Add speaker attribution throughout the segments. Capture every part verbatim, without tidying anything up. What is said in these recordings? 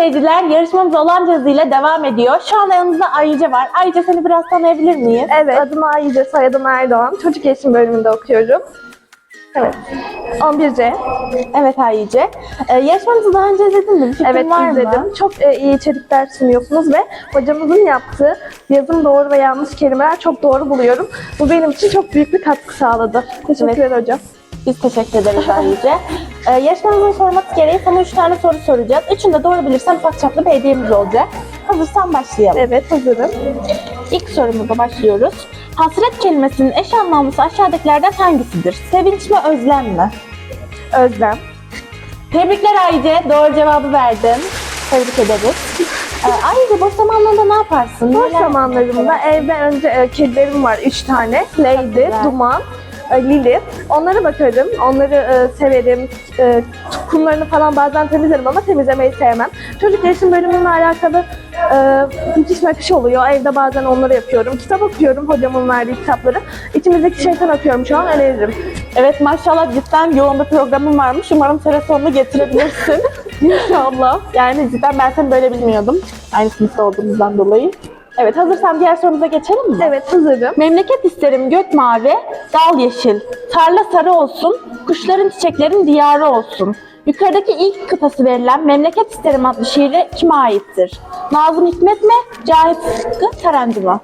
Speaker 1: seyirciler, yarışmamız olan ile devam ediyor. Şu anda yanımızda Ayice var. Ayice, seni biraz tanıyabilir miyiz?
Speaker 2: Evet, adım Ayice, soyadım Erdoğan. Çocuk gelişim bölümünde okuyorum. Evet. on bir C.
Speaker 1: Evet Ayice. Ee, yarışmamızı daha önce izledin mi? Bir fikrin
Speaker 2: Evet,
Speaker 1: var
Speaker 2: izledim.
Speaker 1: mı?
Speaker 2: Çok e, iyi içerikler sunuyorsunuz ve hocamızın yaptığı yazım doğru ve yanlış kelimeler çok doğru buluyorum. Bu benim için çok büyük bir katkı sağladı. Teşekkürler
Speaker 1: Evet.
Speaker 2: hocam.
Speaker 1: Biz teşekkür ederiz Ayice. Ee, yarışmamızın formatı gereği sana üç tane soru soracağız. Üçünü de doğru bilirsen ufak çaplı bir hediyemiz olacak. Hazırsan başlayalım.
Speaker 2: Evet, hazırım.
Speaker 1: İlk sorumuza başlıyoruz. Hasret kelimesinin eş anlamlısı aşağıdakilerden hangisidir? Sevinç mi, özlem mi?
Speaker 2: Özlem.
Speaker 1: Tebrikler Ayice, doğru cevabı verdin. Tebrik ederiz. Ee, Ayice, boş zamanlarında ne yaparsın?
Speaker 2: Boş
Speaker 1: Neler
Speaker 2: zamanlarımda
Speaker 1: yaparsın?
Speaker 2: evde önce e, kedilerim var, üç tane. Lady,
Speaker 1: güzel.
Speaker 2: Duman, e, Lili. Onlara bakarım, onları e, severim. E, kumlarını falan bazen temizlerim ama temizlemeyi sevmem. Çocuk gelişim bölümümle alakalı e, dikiş nakış oluyor. Evde bazen onları yapıyorum. Kitap okuyorum, hocamın verdiği kitapları. İçimizdeki şeytan okuyorum şu an, öneririm.
Speaker 1: Evet, maşallah cidden yoğun bir programın varmış. Umarım sene sonunu getirebilirsin. İnşallah. Yani cidden ben seni böyle bilmiyordum. Aynı sınıfta olduğumuzdan dolayı. Evet, hazırsan diğer sorumuza geçelim mi?
Speaker 2: Evet, hazırım.
Speaker 1: Memleket isterim gök mavi, dal yeşil, tarla sarı olsun, kuşların çiçeklerin diyarı olsun. Yukarıdaki ilk kıtası verilen Memleket isterim adlı şiiri kime aittir? Nazım Hikmet mi, Cahit Sıtkı Tarancı mı?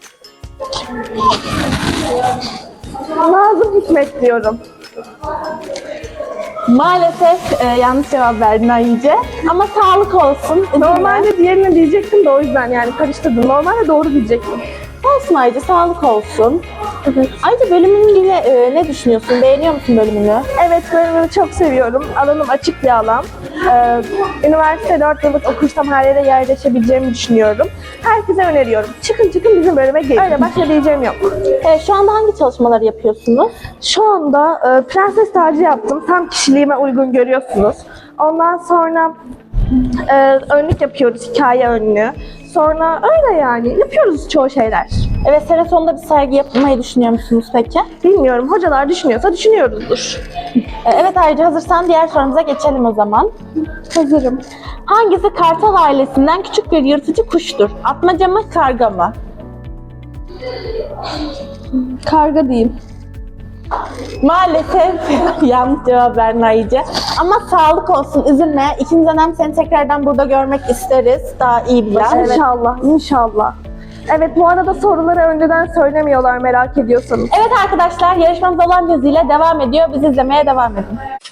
Speaker 2: Nazım Hikmet diyorum.
Speaker 1: Maalesef e, yanlış cevap verdin Ayice. Ama sağlık olsun. üzülme.
Speaker 2: Normalde diğerini diyecektim de o yüzden yani karıştırdım. Normalde doğru diyecektim.
Speaker 1: Olsun Ayice, sağlık olsun.
Speaker 2: Evet.
Speaker 1: Ayice, bölümünle e, ne düşünüyorsun? Beğeniyor musun bölümünü?
Speaker 2: Evet, bölümümü çok seviyorum. Alanım açık bir alan. Ee, üniversite dört yıllık okursam her yere yerleşebileceğimi düşünüyorum. Herkese öneriyorum. Çıkın çıkın bizim bölüme gelin. Öyle başka diyeceğim yok.
Speaker 1: E, şu anda hangi çalışmaları yapıyorsunuz?
Speaker 2: Şu anda e, prenses tacı yaptım. Tam kişiliğime uygun, görüyorsunuz. Ondan sonra e, önlük yapıyoruz, hikaye önlüğü. Sonra öyle yani yapıyoruz çoğu şeyler.
Speaker 1: Evet, sene sonunda bir sergi yapmayı düşünüyor musunuz peki?
Speaker 2: Bilmiyorum, hocalar düşünüyorsa düşünüyoruzdur.
Speaker 1: E, evet Ayice, hazırsan diğer sorumuza geçelim o zaman.
Speaker 2: Hazırım.
Speaker 1: Hangisi kartal ailesinden küçük bir yırtıcı kuştur? Atmaca mı, karga mı?
Speaker 2: Karga diyeyim.
Speaker 1: Maalesef yanlış cevap verdin Ayice. Ama sağlık olsun, üzülme. İkinci dönem seni tekrardan burada görmek isteriz. Daha iyi bilen. Evet.
Speaker 2: İnşallah, inşallah. Evet, bu arada soruları önceden söylemiyorlar, merak ediyorsanız.
Speaker 1: Evet arkadaşlar, yarışmamız olan ile devam ediyor. Bizi izlemeye devam edin.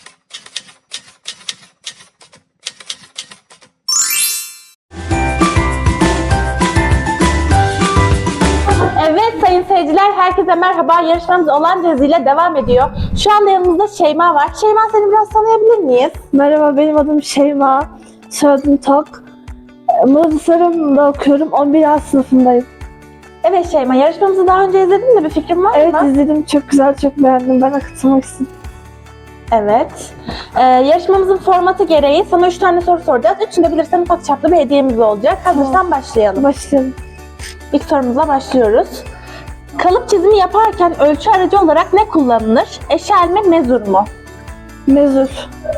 Speaker 1: Evet sayın seyirciler, herkese merhaba. Yarışmamız olan ile devam ediyor. Şu anda yanımızda Şeyma var. Şeyma, seni biraz tanıyabilir miyiz?
Speaker 2: Merhaba, benim adım Şeyma. Soyadım Tok. Murat Sarım'da okuyorum. on bir A sınıfındayım.
Speaker 1: Evet Şeyma, yarışmamızı daha önce izledin mi? Bir fikrin var
Speaker 2: Evet,
Speaker 1: mı?
Speaker 2: izledim. Çok güzel, çok beğendim. Ben de katılmak istedim.
Speaker 1: Evet. Ee, yarışmamızın formatı gereği sana üç tane soru soracağız. Üçünü de bilirsen ufak çaplı bir hediyemiz olacak. Hazırsan başlayalım.
Speaker 2: Başlayalım.
Speaker 1: İlk sorumuzla başlıyoruz. Kalıp çizimi yaparken ölçü aracı olarak ne kullanılır? Eşel mi, mezur mu?
Speaker 2: Mezur.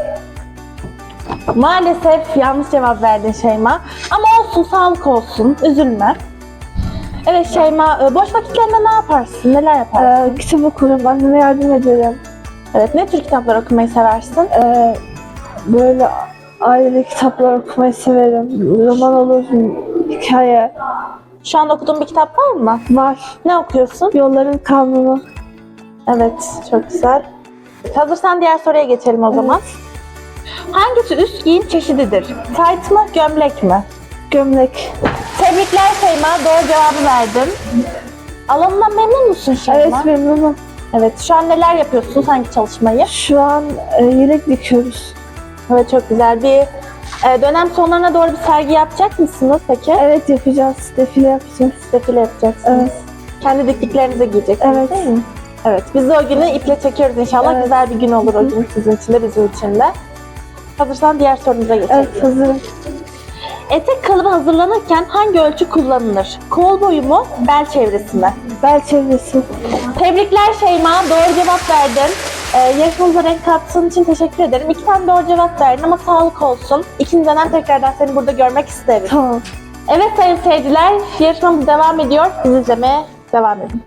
Speaker 1: Maalesef yanlış cevap verdin Şeyma. Ama olsun, sağlık olsun. Üzülme. Evet Şeyma, boş vakitlerinde ne yaparsın? Neler yaparsın?
Speaker 2: Ee, kitap okurum. Anneme yardım ederim.
Speaker 1: Evet, ne tür kitaplar okumayı seversin?
Speaker 2: Ee, böyle aile kitaplar okumayı severim. Roman olur, hikaye
Speaker 1: Şu anda okuduğun bir kitap var mı?
Speaker 2: var.
Speaker 1: Ne okuyorsun?
Speaker 2: Yolların Kanunu.
Speaker 1: Evet, çok güzel. Hazırsan diğer soruya geçelim o zaman. Hangisi üst giyim çeşididir? Tayt mı, gömlek mi?
Speaker 2: Gömlek.
Speaker 1: Tebrikler Şeyma, doğru cevabı verdin. Alanından memnun musun Şeyma?
Speaker 2: Evet, memnunum.
Speaker 1: Evet, şu an neler yapıyorsun, hangi çalışmayı?
Speaker 2: Şu an e, yelek dikiyoruz.
Speaker 1: Evet, çok güzel. Bir e, dönem sonlarına doğru bir sergi yapacak mısınız peki?
Speaker 2: Evet, yapacağız. Defile yapacağız.
Speaker 1: Defile yapacaksınız.
Speaker 2: Evet.
Speaker 1: Kendi diktiklerinizi giyeceksiniz
Speaker 2: Evet.
Speaker 1: değil mi? Evet, biz de o günü iple çekiyoruz inşallah.
Speaker 2: Evet.
Speaker 1: Güzel bir gün olur o gün sizin için de bizim için de. Hazırsan diğer sorumuza geçelim.
Speaker 2: Evet, hazırım.
Speaker 1: Etek kalıbı hazırlanırken hangi ölçü kullanılır? Kol boyu mu, bel çevresi mi?
Speaker 2: Bel çevresi.
Speaker 1: Tebrikler Şeyma, doğru cevap verdin. Ee, yarışmamıza renk kattığın için teşekkür ederim. İki tane doğru cevap verdin ama sağlık olsun. İkinci dönem tekrardan seni burada görmek isteriz.
Speaker 2: Tamam.
Speaker 1: Evet sayın seyirciler, yarışmamız devam ediyor. Bizi izlemeye devam edin.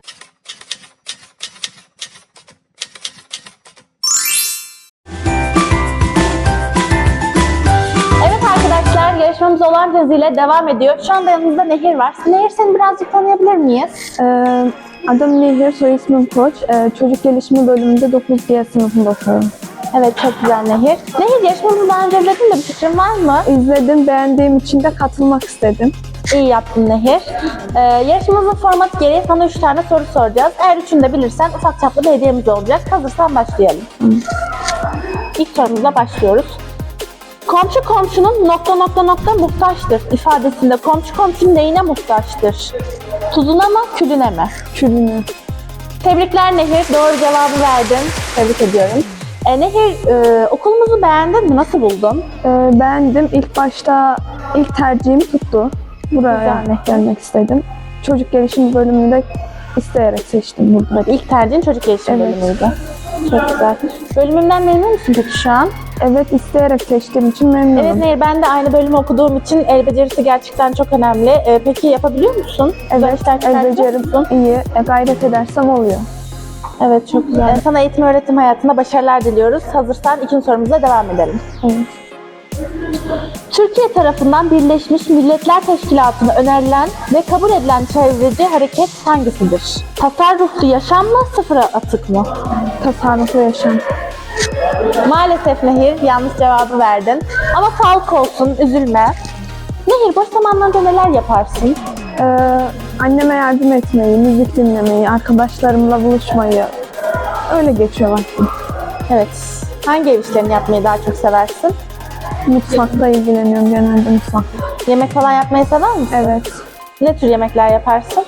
Speaker 1: Evet arkadaşlar, yarışmamız olan ile devam ediyor. Şu anda yanımızda Nehir var. Nehir, seni birazcık tanıyabilir miyiz?
Speaker 2: Ee, adım Nehir, soy ismim Koç. Ee, çocuk gelişimi bölümünde dokuz G sınıfında okuyorum.
Speaker 1: Evet, çok güzel Nehir. Nehir, yarışmamızı daha önce izledin mi? Bir fikrin var mı?
Speaker 2: İzledim, beğendiğim için de katılmak istedim.
Speaker 1: İyi yaptın Nehir. Ee, yarışmamızın formatı gereği sana üç tane soru soracağız. Eğer üçünü de bilirsen ufak çaplı bir hediyemiz olacak. Hazırsan başlayalım.
Speaker 2: Hı.
Speaker 1: İlk sorumuzla başlıyoruz. Komşu komşunun nokta nokta nokta muhtaçtır ifadesinde komşu komşunun neyine muhtaçtır? Tuzuna mı, külüne mi?
Speaker 2: Külünü.
Speaker 1: Tebrikler Nehir, doğru cevabı verdin. Tebrik ediyorum. E, Nehir, e, okulumuzu beğendin mi? Nasıl buldun?
Speaker 2: Ee, beğendim. İlk başta ilk tercihim tuttu. Buraya
Speaker 1: Güzel.
Speaker 2: gelmek istedim. Çocuk gelişimi bölümünde isteyerek seçtim burada.
Speaker 1: Evet, ilk tercihin çocuk gelişimi
Speaker 2: Evet.
Speaker 1: bölümüydü. Çok güzel. Bölümümden memnun musun peki şu an?
Speaker 2: Evet, isteyerek seçtiğim için memnunum.
Speaker 1: Evet Nehir, ben de aynı bölümü okuduğum için el becerisi gerçekten çok önemli. E, peki yapabiliyor musun? Güzel
Speaker 2: Evet,
Speaker 1: işler
Speaker 2: el
Speaker 1: çıkartıyor
Speaker 2: becerim
Speaker 1: musun?
Speaker 2: iyi. E, gayret edersem oluyor.
Speaker 1: Evet, çok güzel. E, sana eğitim öğretim hayatında başarılar diliyoruz. Hazırsan ikinci sorumuza devam edelim.
Speaker 2: Evet.
Speaker 1: Türkiye tarafından Birleşmiş Milletler Teşkilatı'na önerilen ve kabul edilen çevreci hareket hangisidir? Tasarruflu yaşam mı, sıfıra atık mı?
Speaker 2: Tasarruflu yaşam.
Speaker 1: Maalesef Nehir, yanlış cevabı verdin. Ama sağlık olsun, üzülme. Nehir, boş zamanlarında neler yaparsın?
Speaker 2: Ee, anneme yardım etmeyi, müzik dinlemeyi, arkadaşlarımla buluşmayı, öyle geçiyor vaktim.
Speaker 1: Evet. Hangi ev işlerini yapmayı daha çok seversin?
Speaker 2: Mutfakta ilgileniyorum genelde mutfak.
Speaker 1: Yemek falan yapmayı sever misin?
Speaker 2: Evet.
Speaker 1: Ne tür yemekler yaparsın?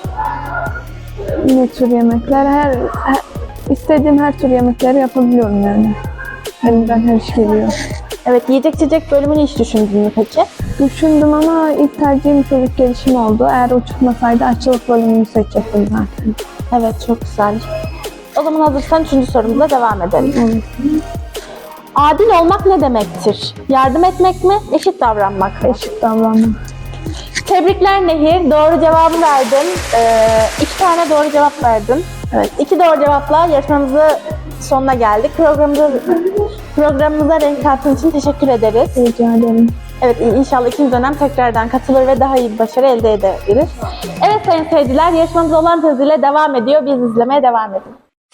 Speaker 2: Ne tür yemekler? Her, her istediğim her tür yemekleri yapabiliyorum yani. Elimden her iş geliyor.
Speaker 1: Evet, yiyecek içecek bölümünü hiç düşündün mü peki?
Speaker 2: Düşündüm ama ilk tercihim çocuk gelişimi oldu. Eğer o çıkmasaydı aşçılık bölümünü seçecektim zaten.
Speaker 1: Evet, çok güzel. O zaman hazırsan üçüncü sorumuza devam edelim.
Speaker 2: Evet.
Speaker 1: Adil olmak ne demektir? Yardım etmek mi, eşit davranmak mı?
Speaker 2: Eşit davranmak.
Speaker 1: Tebrikler Nehir, doğru cevabı verdin. Ee, iki tane doğru cevap verdin. Evet, iki doğru cevapla yarışmamızın sonuna geldik. Programımıza, programımıza renk kattığın için teşekkür ederiz.
Speaker 2: Rica ederim.
Speaker 1: Evet, inşallah ikinci dönem tekrardan katılır ve daha iyi bir başarı elde edebiliriz. Evet sayın seyirciler, yarışmamız olan hızıyla devam ediyor. Biz izlemeye devam edin.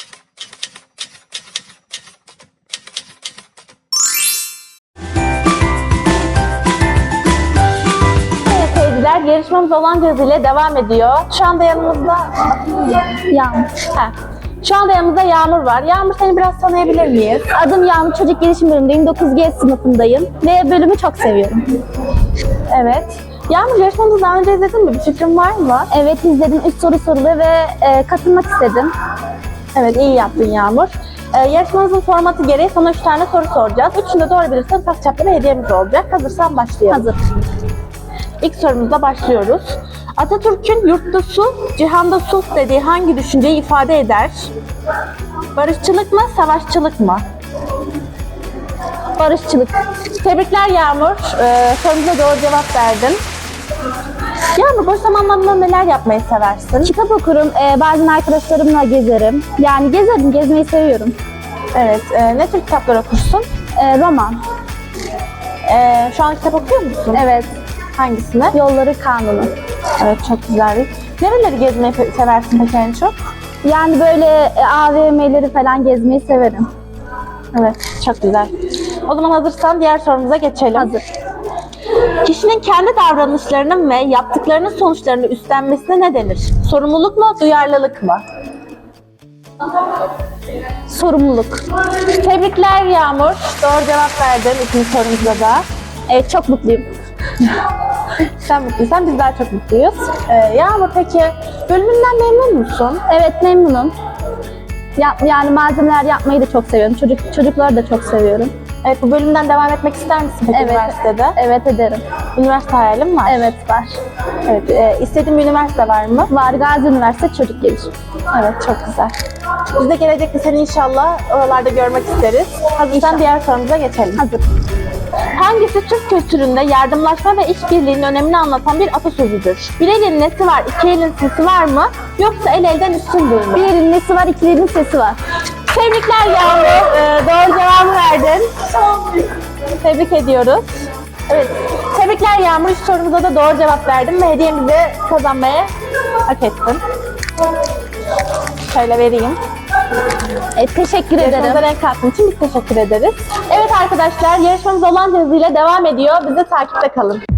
Speaker 1: Evet seyirciler, yarışmamız olan hızıyla devam ediyor. Şu anda yanımızda Yağmur. Ha. Şu anda yanımızda Yağmur var. Yağmur, seni biraz tanıyabilir miyiz?
Speaker 3: Adım Yağmur, çocuk gelişim bölümündeyim. dokuz G sınıfındayım ve bölümü çok seviyorum.
Speaker 1: Evet. Yağmur, yarışmamızı daha önce izledin mi? Bir fikrin var mı?
Speaker 3: Evet, izledim. Üç soru sorulu ve e, katılmak istedim.
Speaker 1: Evet, iyi yaptın Yağmur. Ee, yarışmamızın formatı gereği sana üç tane soru soracağız. Üçünü de doğru bilirsen ufak çaplı bir hediyemiz olacak. Hazırsan başlayalım.
Speaker 3: Hazır.
Speaker 1: İlk sorumuzla başlıyoruz. Atatürk'ün yurtta sulh, cihanda sulh dediği hangi düşünceyi ifade eder? Barışçılık mı, savaşçılık mı?
Speaker 3: Barışçılık.
Speaker 1: Tebrikler Yağmur. Ee, sorumuza doğru cevap verdin. Yağmur, boş zamanlarında neler yapmayı seversin?
Speaker 3: Kitap okurum, e, bazen arkadaşlarımla gezerim. Yani gezerim, gezmeyi seviyorum.
Speaker 1: Evet, e, ne tür kitaplar okursun?
Speaker 3: E, roman.
Speaker 1: E, şu an kitap okuyor musun?
Speaker 3: Evet,
Speaker 1: Hangisini?
Speaker 3: Yolları Kanunu.
Speaker 1: Evet, çok güzel. Nereleri gezmeyi pe- seversin peki en çok?
Speaker 3: Yani böyle e, A V M'leri falan gezmeyi severim.
Speaker 1: Evet, çok güzel. O zaman hazırsan diğer sorumuza geçelim.
Speaker 3: Hazır.
Speaker 1: Kişinin kendi davranışlarının ve yaptıklarının sonuçlarını üstlenmesine ne denir? Sorumluluk mu, duyarlılık mı?
Speaker 3: Sorumluluk.
Speaker 1: Tebrikler Yağmur. Doğru cevap verdin ikinci sorumuza da.
Speaker 3: Evet, çok mutluyum.
Speaker 1: Sen mutluysan biz daha çok mutluyuz. Ee, Yağmur, peki bölümünden memnun musun?
Speaker 3: Evet, memnunum. Ya, yani malzemeler yapmayı da çok seviyorum. Çocuk çocukları da çok seviyorum.
Speaker 1: Evet, bu bölümden devam etmek ister misin peki
Speaker 3: Evet.
Speaker 1: üniversitede?
Speaker 3: Evet ederim.
Speaker 1: Üniversite hayalin var.
Speaker 3: Evet var.
Speaker 1: Evet, e, istediğin bir üniversite var mı?
Speaker 3: Var, Gazi Üniversitesi Çocuk Gelişimi.
Speaker 1: Evet, çok güzel. Biz de gelecekte seni inşallah oralarda görmek isteriz. Hazırsan diğer sorumuza geçelim.
Speaker 3: Hazır.
Speaker 1: Hangisi Türk kültüründe yardımlaşma ve işbirliğinin önemini anlatan bir atasözüdür? Bir elin nesi var, iki elin sesi var mı? Yoksa el elden üstündür mü?
Speaker 3: Bir elin nesi var, iki elin sesi var.
Speaker 1: Tebrikler Yağmur. Ee, doğru cevabı verdin. Tebrik ediyoruz. Evet. Tebrikler Yağmur. Üç sorumuza da doğru cevap verdin ve hediyemizi kazanmaya hak ettin. Şöyle vereyim.
Speaker 3: E, teşekkür
Speaker 1: Yarışmamıza
Speaker 3: ederim.
Speaker 1: renk kattığın için biz teşekkür ederiz. Evet arkadaşlar, yarışmamız olan hızıyla devam ediyor. Bizi takipte kalın.